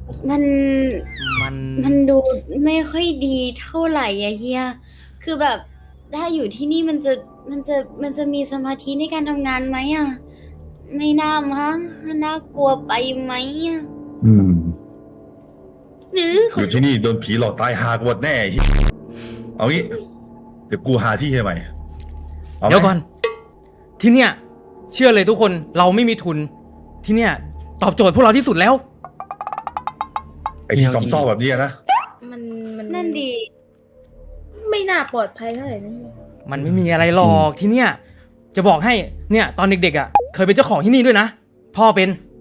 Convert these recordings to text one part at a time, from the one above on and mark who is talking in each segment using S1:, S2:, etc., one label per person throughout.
S1: มัน
S2: มัน
S1: มันดูไม่ค่อยดีเท่าไหร่อะเฮียคือแบบถ้าอยู่ที่นี่มันจะมีสมาธิในการทำงานไหมอะไม่น่ามั้งน่ากลัวไปไหมอะ
S3: อืม
S1: หรือ
S3: อยู่ที่นี่โดนผีหลอกตายหากหมดแน่ไอ้เหี้ยเอางี้ เดี๋ยวกูหาที่ให้ใหม่อาไหม
S2: เดี๋ยวก่อน ที่เนี่ย เชื่อเลยทุกคนเราไม่มีทุน ที่เนี่ย ตอบโจทย์พวกเราที่สุดแล้ว
S3: ไอ้ที่ซอมซ่อแบบนี้นะ
S4: มัน
S1: นั่นดี
S4: ไม่น่าปลอดภัยเท่าไหร่นั่น
S2: มันไม่มีอะไรหรอกที่เนี่ย จะบอกให้เนี่ยตอนเด็กๆอ่ะเคยเป็นเจ้าของที่นี่ด้วยนะพ่อเป็น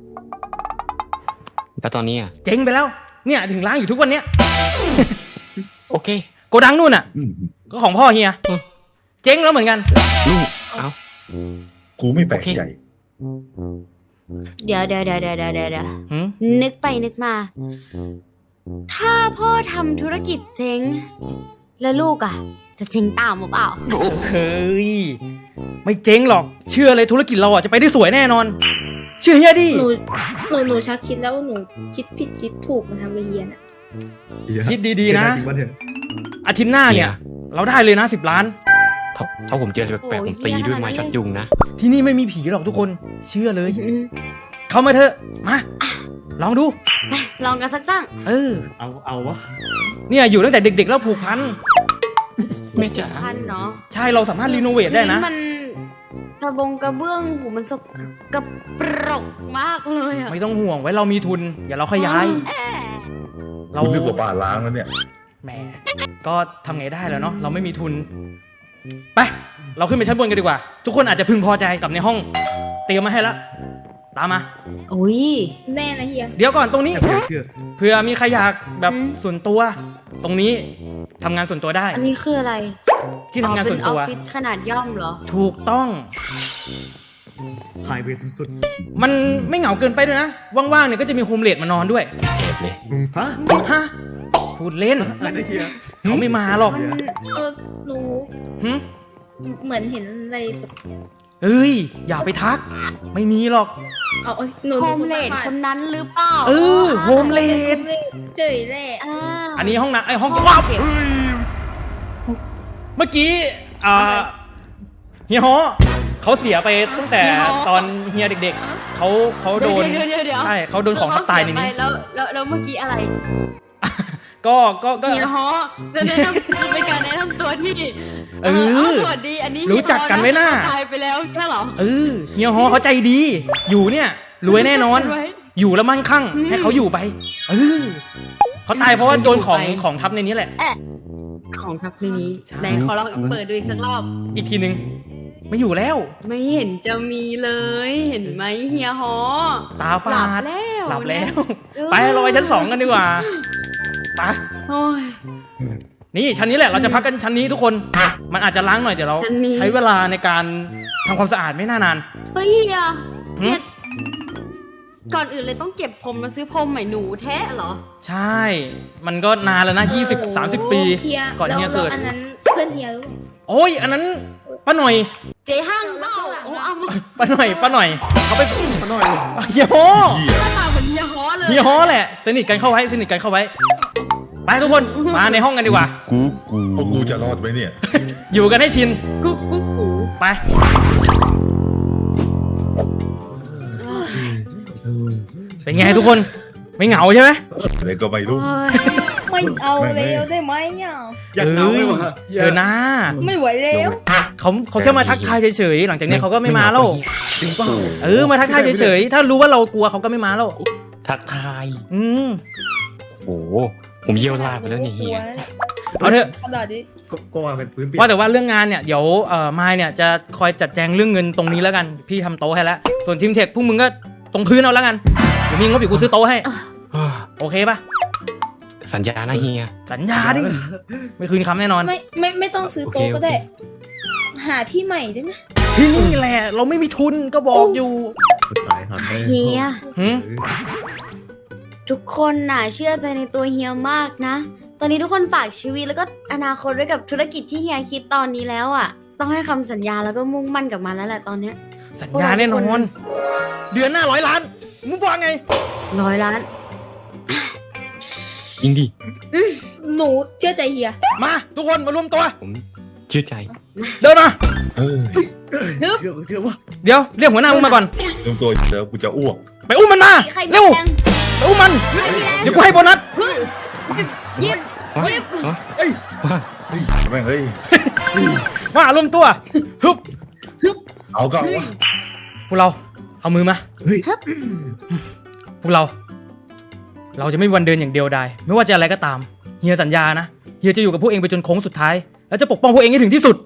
S5: แล้วตอนนี้อ่ะ
S2: เจ๊งไปแล้ว เนี่ยถึงร้างอยู่ทุกวันเนี้ย
S5: โอเค
S2: โกดังนู่นอ่ะ
S3: อืม
S2: ก็ของพ่อเฮียเจ๊งแล้วเหมือนกัน
S5: ลูกเอ้า
S3: กูไม่แปลกใจ
S1: เดี๋ยว
S2: หืม
S1: นึกไปนึกมา ถ้าพ่อทำธุรกิจเจ๊ง แล้วลูกอะจะเจ๊งตามหรือเปล่า
S2: เฮ้ยไม่เจ๊งหรอกเชื่อเลยธุรกิจเราอ่ะจะไปได้สวยแน่นอน เชื่อเฮียดิ
S4: หนูชักคิดแล้วว่าหนูคิดผิดคิดถูกมาทำไปเฮียน่ะ
S2: คิดดีๆนะอาทิตย์หน้าเนี่ย เราได้เลยนะ10 ล้าน
S5: ถ้าผมเจออะไรแปลกๆผมตีด้วยไม้ช็อตยุงนะ
S2: ที่นี่ไม่มีผีหรอกทุกคนเชื่อเลย เข้ามาเถอะมาลองดู
S1: ลองกันสักตั้ง
S6: เอาวะ
S2: เนี่ยอยู่ตั้งแต่เด็กๆแล้วผูกพัน
S5: ไม่จ๋า
S1: พันเนาะ
S2: ใช่เราสามารถรีโนเวทได้นะ
S1: มันกระเบื้องหูมันสกปรกมากเลยอะ
S2: ไม่ต้องห่วงไว้เรามีทุนอย่าเราขยาย เรา
S3: คุณนึกว่าบ้านล้างแล้วเนี่ย
S2: แหมก็ทำไงได้แล้วเนาะเราไม่มีทุนไปเราขึ้นไปชั้นบนกันดีกว่า ทุกคนอาจจะพึงพอใจกับในห้องเตรียมมาให้แล้วตามมา
S1: อุ้ย
S4: แน่นะเฮีย
S2: เดี๋ยวก่อนตรงนี้
S6: เชื่อ
S2: เผื่อมีใครอยากแบบส่วนตัว ตรงนี้ทำงานส่วนตัวได้
S1: อันนี้คืออะไร
S2: ที่ทำงานส่วนตัว
S1: เป็นออฟฟิศขนาดย่อมเหรอ
S2: ถูกต้อง
S6: ไฮเวย์สุด
S2: มันไม่เหงาเกินไปด้วยนะว่างๆเนี่ยก็จะมีโฮมเลดมานอนด้วย
S5: แอบเลย
S6: ๆฮะ
S2: ฮะพูดเล่น
S6: อะไรเฮีย
S2: เขาไม่มาหรอก
S4: หนู
S2: หึ
S4: เหมือนเห็นอะไรแบบ
S2: เอ้ยอย่าไปทัก ไม่มีหรอก
S4: เอาหนู
S1: โฮมเลดคนนั้นหรือเปล่า
S2: เออโฮมเลด
S4: เฉยแหละ
S1: อ่า
S2: อันนี้ห้องน้ำไอห้องว้าวเมื่อกี้เฮียฮอเขาเสียไปตั้งแต่ตอนเฮียเด็กๆเขาโดน
S1: เดี๋ยว
S2: ใช่เขาโดนของทับตายในนี้
S1: แล้วเมื่อกี้อะไร
S2: ก็
S1: เฮียฮอแล้วแนะนำเป็นการแนะนำตัวที่
S2: เออ
S1: สวัสดีอันนี้
S2: รู้จักกันไว้น่า
S1: ตายไปแล้วแค่เหรอ
S2: เฮียฮอเขาใจดี อยู่เนี่ยรวยแน่นอน
S1: รู้จักกันไว้
S2: อยู่แล้วมั่งคั่งให้เขาอยู่ไปเขาตายเพราะว่าโดนของ
S1: อยู่ไป
S2: ของทับในนี้แหละ
S1: ของทับในนี้
S2: ใช่
S1: ไหนขอลองเปิดดูอีกสักรอบ
S2: อีกทีนึงไม่อยู่แล้ว
S1: ไม่เห็นจะมีเลยเห็นไหมเฮียฮอ
S2: ตาฝาด
S1: หลับแล้ว
S2: ไปเราไปชั้น 2กันดีกว่าไป
S1: โอ้ย
S2: นี่ชั้นนี้แหละเราจะพักกันชั้นนี้ทุกคน มันอาจจะล้างหน่อยเดี๋ยวเรา
S1: ชั้นนี้
S2: ใช้เวลาในการทำความสะอาดไม่น่านาน
S1: เฮ้ยเฮีย
S2: หึ
S1: เนี่ยก่อนอื่นเลยต้องเก็บผมมาซื้อพรมใหม่หนูแท้เหรอ
S2: ใช่ มันก็นานแล้วนะ20-30 ปี
S4: เฮีย
S2: ก่อนเฮียเกิด
S4: แล้วอันนั้นเพื่อนเฮียหรือเปล่า
S2: โอ้ยอันนั้นป้าหน่อย
S1: เจ๊ห้างเปล่าโอ้เอามา
S2: ป้าหน่อยเขาไป
S6: มาหน่อย
S2: เฮียฮอ
S3: เหี้ย
S1: หน้าตาเหมือนเฮียฮอเลย
S2: เฮียฮอแหละสนิทกันเข้าไว้ไปทุกคนมาในห้องกันดีกว่า
S3: พวกกูจะรอดไหมเนี่ย
S2: อยู่กันให้ชิน
S1: กุ๊กกุ๊กกู
S2: ไปเป็นไงทุกคนไม่เหงาใช่ไหม
S3: อะไรก็ไม่รู้
S4: ไม่เอาแล้วได้ไหมอ่ะ
S6: อยากเอาไหมวะ
S2: เออนะ
S4: ไม่ไหวแล้ว
S2: เขาแค่มาทักทายเฉยๆหลังจากนี้เขาก็ไม่มาแล้ว
S6: จริงเปล่า
S2: มาทักทายเฉยๆถ้ารู้ว่าเรากลัวเขาก็ไม่มาแล้ว
S5: ทักทาย
S2: อืม
S5: โอ้โหผมเยี่ยวลาดไปแล้วเนี่ยเฮีย
S2: เอาเถอะ
S4: ขนาดนี้
S6: ก็ว่าเป็นพื้นเปียก
S2: ว่าแต่ว่าเรื่องงานเนี่ยเดี๋ยวมายเนี่ยจะคอยจัดแจงเรื่องเงินตรงนี้แล้วกันพี่ทำโต๊ะให้แล้วส่วนทีมเทคพวกมึงก็ตรงพื้นเอาแล้วกันเดี๋ยวมีงบอีกกูซื้อโต๊ะให้โอเคปะ
S5: สัญญานะเฮีย
S2: สัญญาดิไม่คืนคำแน่นอน
S4: ไม่ต้องซื้อโต๊ะก็ได้ หาที่ใหม่ได้ไหม
S2: ที่นี่แหละเราไม่มีทุนก็บอกอยู่
S6: ตายครับ
S1: เฮีย
S2: หึ
S1: ทุกคนน่ะเชื่อใจในตัวเฮียมากนะ ตอนนี้ทุกคนฝากชีวิตแล้วก็อนาคตไว้กับธุรกิจที่เฮียคิดตอนนี้แล้วอ่ะ ต้องให้คำสัญญาแล้วก็มุ่งมั่นกับมันแล้วแหละตอนเนี้ย
S2: สัญญาแน่นอน เดือนหน้า100 ล้านมึงว่าไง
S1: 100 ล้าน
S5: ยิงดิ
S4: หนูเชื่อใจเฮีย
S2: มาทุกคนมารวมตัว
S5: ผมเชื่อใจ
S2: เดินมา
S3: เฮ้ย
S6: เชื่อว่า
S2: เดี๋ยวเรียกหัวหน้ามึงมาก่อน
S3: รวมตัวเดี๋ยวกูจะอ้วก
S2: ไปอุ้มมันมา
S1: ใครมี
S2: เร็ว
S1: แรง
S2: ไปอุ้มมันเดี๋ยวกูให้โบนัส
S1: ยิบ
S5: วะ
S1: ยิบ
S5: วะ
S3: เอ้ย
S5: วะ
S3: เฮ้ยแม่งเฮ้ย
S2: มารวมตัวฮึบ
S3: เอาก็เอาวะ
S2: พวกเราเอามือมา
S6: เฮ้ย
S2: พวกเรา เราจะไม่มีวันเดินอย่างเดียวดายไม่ว่าจะอะไรก็ตามเฮียสัญญานะเฮียจะอยู่กับพวกเองไปจนโค้งสุดท้าย แล้วจะปกป้องพวกเองให้ถึงที่สุด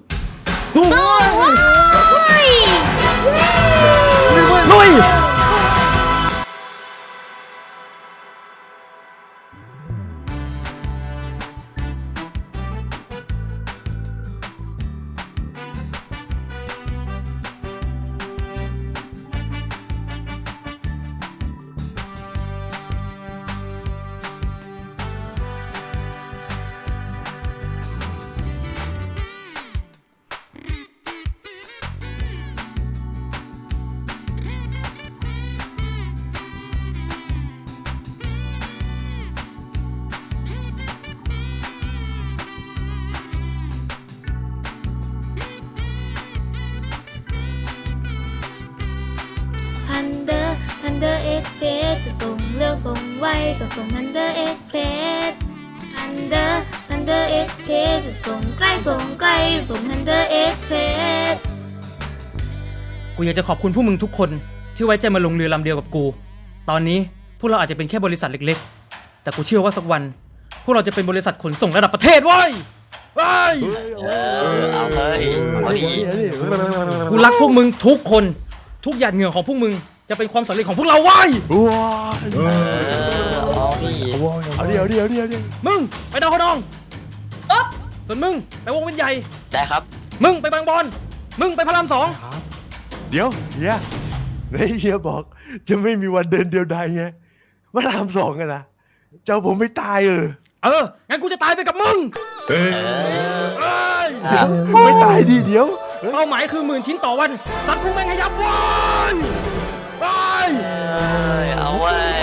S2: ลุย
S4: ทันเดอร์เอ็กเพสจะส่งเร็วส่งไวก็ส่งทันเดอร์เอ็กเพสทันเดอร์เอ็กเพสจะส่งใกล้ส่งไกลส่งทันเดอร์เอ็กเพส
S2: กูอยากจะขอบคุณพวกมึงทุกคนที่ไว้ใจมาลงเรือลำเดียวกับกู ตอนนี้พวกเราอาจจะเป็นแค่บริษัทเล็กๆ แต่กูเชื่อว่าสักวัน พวกเราจะเป็นบริษัทขนส่งระดับประเทศเว้ยเว้ย
S7: เอาเลยเอาดี
S2: กูรักพวกมึงทุกคนทุกหยาดเหงื่อของพวกมึงจะเป็นความสำเร็จของพวกเราเว้ย
S7: เอาดี
S8: เอาเดี๋ยว
S2: มึงไปดาวคนองส่วนมึงไปวงเวียนใหญ่
S7: ได้ครับ
S2: มึงไปบางบอนมึงไปพระรามสอง
S8: เดี๋ยวเฮียในเฮียบอกจะไม่มีวันเดินเดียวดายไงมาทำสองกันนะเจ้าผมไม่ตาย
S2: งั้นกูจะตายไปกับมึง
S3: เอ้ย
S2: เอ้ย
S8: ไม่ตายดิเดี๋ยว
S2: เป้าหมายคือ10,000 ชิ้นต่อวันสัตว์พวกแม่งให้ยับเว้ยเว้ย
S7: เอาไว้ย